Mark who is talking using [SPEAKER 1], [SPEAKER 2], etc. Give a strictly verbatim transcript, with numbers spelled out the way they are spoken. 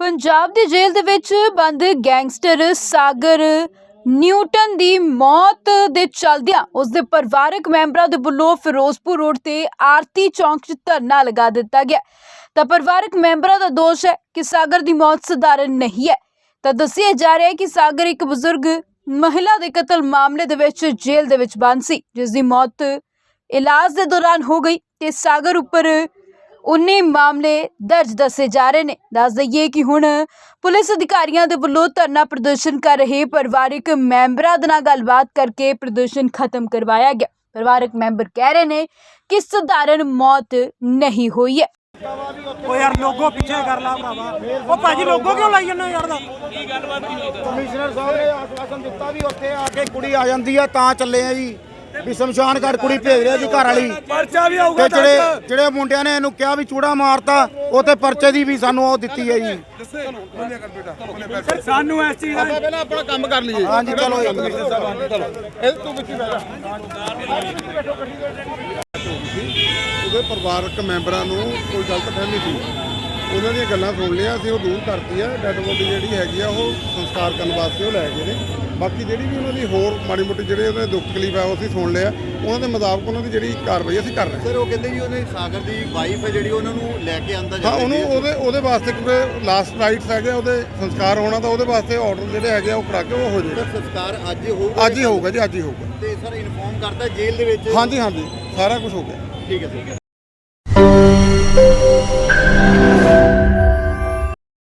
[SPEAKER 1] पंजाब दी jail दे विच बंद gangster सागर Newton दी मौत दे चलदियां उसदे परिवारक मैंबरां दे वल्लों फिरोजपुर रोड ते आरती चौक च धरना लगा दिता गया। तां परिवारक मैंबरां दा दोष है कि सागर दी मौत सधारण नहीं है। तां दस्सिया जा रहा है कि सागर एक बजुर्ग महिला दे कतल मामले दे विच जेल दे विच बंद सी, जिस दी मौत इलाज दे दौरान हो गई ते सागर उपर उन्ने मामले दर्ज दसे जा रहे हैं। दस दईए कि हुण पुलिस अधिकारियों के वल्लों धरना प्रदर्शन कर रहे परिवारक मैंबरां दे नाल गलबात करके प्रदर्शन खत्म करवाया गया। परिवारक मैंबर कह रहे हैं कि सधारण मौत नहीं हुई है।
[SPEAKER 2] ओ यार लोगो पीछे कर ला भरावा, ओ भाजी लोगो क्यों लाई जन्ने यार दा की गलबात नहीं होई।
[SPEAKER 3] कमिश्नर साहब ने आश्वासन दिता भी उत्थे आके कुड़ी आ जांदी है तां चले आ जी भी शमशान घाट कुड़ी भेज रहे जी घर वाली
[SPEAKER 2] पर्चा भी आऊगा
[SPEAKER 3] ते ਜਿਹੜੇ ਜਿਹੜੇ ਮੁੰਡਿਆਂ ਨੇ ਇਹਨੂੰ ਕਿਹਾ ਵੀ ਚੂੜਾ ਮਾਰਤਾ ਉਹ ਤੇ ਪਰਚੇ ਦੀ ਵੀ ਸਾਨੂੰ ਉਹ ਦਿੱਤੀ ਹੈ ਜੀ।
[SPEAKER 2] ਸਾਨੂੰ ਇਸ ਚੀਜ਼ ਦਾ
[SPEAKER 4] ਪਹਿਲਾਂ ਆਪਣਾ ਕੰਮ ਕਰ ਲਈਏ।
[SPEAKER 3] ਹਾਂਜੀ ਚਲੋ ਜੀ
[SPEAKER 4] ਕਮਿਸ਼ਨਰ ਸਾਹਿਬ ਚਲੋ ਇਹ ਤੂੰ ਵਿੱਚ ਬੈਠ ਉਹਦੇ ਪਰਿਵਾਰਕ ਮੈਂਬਰਾਂ ਨੂੰ ਕੋਈ ਗਲਤ ਫਹਿਮੀ ਸੀ, ਉਹਨਾਂ ਦੀਆਂ ਗੱਲਾਂ ਸੁਣ ਲਿਆ ਸੀ, ਉਹ ਦੂਰ ਕਰਤੀ ਆ। ਡੈਡ ਬੋਡੀ ਜਿਹੜੀ ਹੈਗੀ ਆ ਉਹ ਸੰਸਕਾਰ ਕਰਨ ਵਾਸਤੇ ਉਹ ਲੈ ਗਏ ਨੇ। ਬਾਕੀ ਜਿਹੜੀ ਵੀ ਉਹਨਾਂ ਦੀ ਹੋਰ ਮਾੜੀ ਮੋਟੀ ਜਿਹੜੇ ਉਹਨਾਂ ਦੇ ਦੁੱਖ ਤਕਲੀਫ ਆ ਉਹ ਅਸੀਂ ਸੁਣ ਲਿਆ। ਉਹਨਾਂ ਦੇ ਮੁਤਾਬਕ ਉਹਨਾਂ ਦੀ ਜਿਹੜੀ ਕਾਰਵਾਈ ਅਸੀਂ ਕਰ ਰਹੇ ਹਾਂ।
[SPEAKER 5] ਸਰ ਉਹ ਕਹਿੰਦੇ ਜੀ ਉਹਨੇ ਸਾਗਰ ਦੀ ਵਾਈਫ ਹੈ ਜਿਹੜੀ ਉਹਨਾਂ ਨੂੰ ਲੈ ਕੇ ਆਂਦਾ
[SPEAKER 4] ਹਾਂ ਉਹਨੂੰ ਉਹਦੇ ਉਹਦੇ ਵਾਸਤੇ ਕਿਉਂਕਿ ਲਾਸਟ ਰਾਈਟਸ ਹੈਗੇ ਉਹਦੇ ਸੰਸਕਾਰ ਹੋਣਾ ਤਾਂ ਉਹਦੇ ਵਾਸਤੇ ਆਰਡਰ ਜਿਹੜੇ ਹੈਗੇ ਆ ਉਹ ਕਰਾ ਕੇ ਉਹ ਹੋ ਜਾਏਗਾ।
[SPEAKER 5] ਸੰਸਕਾਰ ਅੱਜ ਹੀ ਹੋਊਗਾ
[SPEAKER 4] ਅੱਜ ਹੀ ਹੋਊਗਾ ਜੀ, ਅੱਜ ਹੀ ਹੋਊਗਾ।
[SPEAKER 5] ਤੇ ਸਰ ਇਨਫੋਰਮ ਕਰਤਾ ਜੇਲ੍ਹ ਦੇ ਵਿੱਚ।
[SPEAKER 4] ਹਾਂਜੀ ਹਾਂਜੀ ਸਾਰਾ ਕੁਝ ਹੋ ਗਿਆ।
[SPEAKER 5] ਠੀਕ ਹੈ ਸਰ।